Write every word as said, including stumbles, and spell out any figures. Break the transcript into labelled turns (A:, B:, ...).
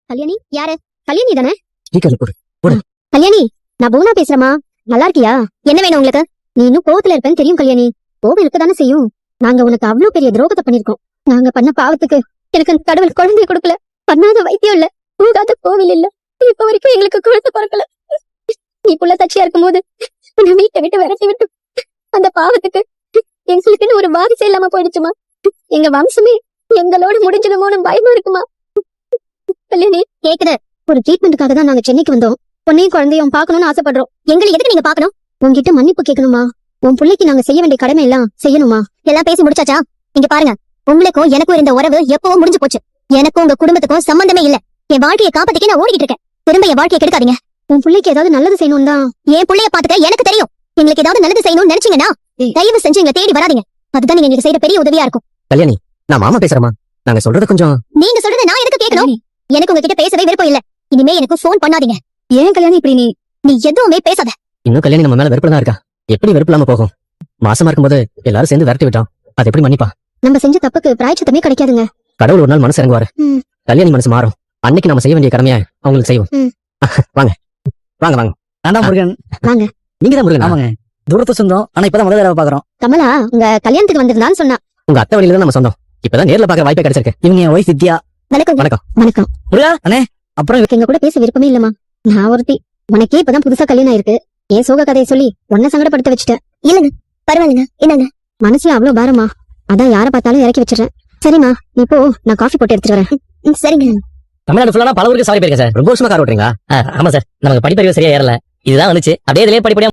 A: கல்யாணி யாரு? கல்யாணி தானே?
B: ஸ்பீக்கர்ல போடு போடு.
A: கல்யாணி, நான் பூனா பேசுறேமா. நல்லா இருக்கியா? என்ன வேணும் உங்களுக்கு? நீ இன்னும் கோவத்துல இருப்பேன்னு தெரியும் கல்யாணி. கோவம் இருக்கதானே செய்யும். நாங்க உனக்கு அவ்வளவு பெரிய துரோகத்தை பண்ணிருக்கோம். நாங்க பண்ண பாவத்துக்கு எனக்கு அந்த கடவுள் குழந்தைய கொடுக்கல. பண்ணாத வைத்தியம் இல்ல, போகாத கோவில் இல்ல, இப்ப வரைக்கும் எங்களுக்கு குழந்தை பிறக்கல. நீ புள்ள தச்சியா இருக்கும் போது உன்னை வீட்டை விட்டு விரட்டி விட்டு அந்த பாவத்துக்கு எங்களுக்குன்னு ஒரு வாரிசு இல்லாம போயிடுச்சுமா. எங்க வம்சமே எங்களோட முடிஞ்சிடுமோன்னு பயமா இருக்குமா. கல்யாணி கேக்குது. ஒரு ட்ரீட்மெண்ட்டுக்காக தான் நாங்க சென்னைக்கு வந்தோம். பொண்ணையும் குழந்தையும் பாக்கணும்னு ஆசைப்படுறோம். எங்களை எதுக்கு நீங்க பாக்கணும்? உங்ககிட்ட மன்னிப்பு கேட்கணுமா? உன் பிள்ளைக்கு நாங்க செய்ய வேண்டிய கடமை எல்லாம் செய்யணுமா? எல்லாம் பேசி முடிச்சாச்சா? இங்க பாருங்க, உங்களுக்கும் எனக்கும் இருந்த உறவு எப்பவும் முடிஞ்சு போச்சு. எனக்கும் உங்க குடும்பத்துக்கும் சம்பந்தமே இல்ல. என் வாழ்க்கையை காப்பாத்திக்க நான் ஓடிக்கிட்டு இருக்கேன். திரும்ப என் வாழ்க்கையை கெடுக்காதீங்க. உன் பிள்ளைக்கு ஏதாவது நல்லது செய்யணும் தான். என் பிள்ளைய பாத்துக்க எனக்கு தெரியும். எங்களுக்கு ஏதாவது நல்லது செய்யணும்னு நினைச்சீங்கன்னா தயவு செஞ்சு எங்களை தேடி வராதீங்க. அதுதான் நீங்க எங்களுக்கு செய்யற பெரிய உதவியா இருக்கும்.
B: கல்யாணி, நான் மாமா பேசுறேமா. நாங்க சொல்றது கொஞ்சம்.
A: நீங்க சொல்றத நான் எதுக்கு கேட்கணும்? எனக்கு உங்ககிட்ட பேசவே விருப்பம் இல்ல. இனிமே எனக்கு போன் பண்ணாதீங்க. ஏன் கல்யாணி இப்படி நீ நீ எதுவுமே பேசாத.
B: இன்னும் கல்யாணி நம்ம மேல வெறுப்புல தான் இருக்கா. எப்படி வெறுப்பு இல்லாம போகும்? மாசமா இருக்கும்போது எல்லாரும் சேர்ந்து விரட்டி விட்டோம். அது எப்படி மன்னிப்பா?
A: நம்ம செஞ்ச தப்புக்கு பிராயச்சித்தமே கிடைக்காதுங்க.
B: கடவுள் ஒரு நாள் மனசு இறங்குவாரு.
A: ம்.
B: கல்யாணி மனசு மாறும். அன்னைக்கு நம்ம செய்ய வேண்டிய கடமையை அவங்களுக்கு செய்வோம்.
A: ம்.
B: வாங்க வாங்க வாங்க.
C: ஆண்டா முருகன்.
A: வாங்க.
B: நீங்க தான் முருகன்.
C: ஆமாங்க, தூரத்து சொந்தம். ஆனா இப்பதான் முதல் தடவை பாக்குறோம்.
A: கமலா உங்க கல்யாணத்துக்கு வந்திருந்தான்னு சொன்னா.
B: உங்க அத்தை வழியில தான் நம்ம சொந்தம். இப்பதான் நேர்ல பாக்க வாய்ப்பே கிடைச்சிருக்கு.
C: இவங்க என் ஒய்ஃப் வித்யா.
A: வணக்கம்.
B: வணக்கம்.
A: வணக்கம்.
C: முருகா அண்ணே. அப்புறம்
A: எங்க கூட பேச விருப்பமே இல்லமா. நான் ஒருத்தி. உனக்கே இப்பதான் புதுசா கல்யாணம் ஆயிருக்கு. ஏன் சோக கதையை சொல்லி உன்ன சங்கடப்படுத்த வச்சுட்டேன். இல்லங்க பரவாயில்லைங்க. என்னங்க மனசுல அவ்வளவு பாரமா? அதான் யார பார்த்தாலும் இறக்கி வச்சிடறேன். சரிம்மா, நீ போ, நான் காஃபி போட்டு எடுத்துட்டு வரேன். சரிங்க.
B: தமிழ்நாடு ஃபுல்லா பல ஊருக்கு சாரி போயிருக்கேன் சார். ரொம்ப வருஷமா கார் ஓட்டுறீங்களா? ஆமா சார், நமக்கு படிப்பறிவு சரியா ஏறல. இதுதான் வந்துச்சு. அப்படியே இதுலயே படிப்படியா